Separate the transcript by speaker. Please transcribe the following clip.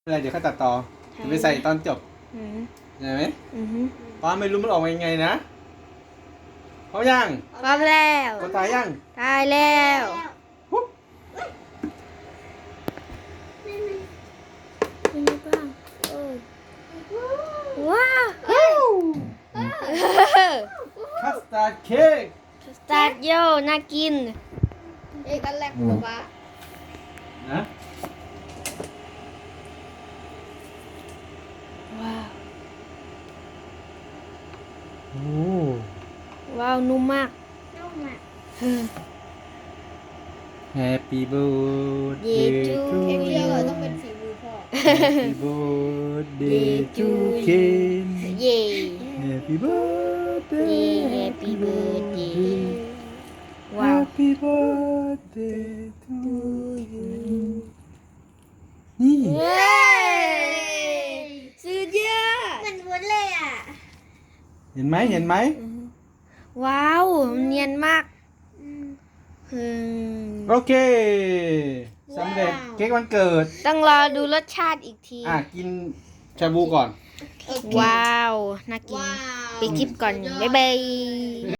Speaker 1: อะไรเดี๋ยวเขาตัดต่อจะไปใส่ตอนจบเห็นไหมป้าไม่รู้มันออกมายังไงนะพร้อมยัง
Speaker 2: พร้อมแล้ว
Speaker 1: ก็ตายยัง
Speaker 2: ตายแล้ว
Speaker 1: ปุ๊บ
Speaker 2: เป็นไงบ้างว้าว
Speaker 1: คัสตาร์ดเค้ก
Speaker 2: สตาร์ทโยน่ากิน
Speaker 3: เอกอันแรกป๊าป๊า
Speaker 1: นะ
Speaker 2: ว้าว
Speaker 1: โอ้
Speaker 2: ว้าวนุ่มมาก
Speaker 3: นุ่มอ่ะ
Speaker 1: Happy birthday to
Speaker 3: เค้กเดียว
Speaker 1: you
Speaker 3: ต้องเป็นฝีมือพ่อ
Speaker 1: Happy birthday to Ken
Speaker 2: เย่
Speaker 1: Happy birthday
Speaker 2: Happy birthday ว้าว
Speaker 1: Happy birthday to you นี่
Speaker 2: เย้สุดยอด
Speaker 3: เหมือนวุ้นเลยอ่ะ
Speaker 1: เห็นไหมเห็นไหม
Speaker 2: ว้าวเนียนมาก
Speaker 1: โอเคสำเร็จเค้กวันเกิด
Speaker 2: ต้องรอดูรสชาติอีกที
Speaker 1: กินชาบูก่อน
Speaker 2: ว้าว น่ากิน
Speaker 3: ว้าว
Speaker 2: ไปคลิปก่อน บ๊ายบาย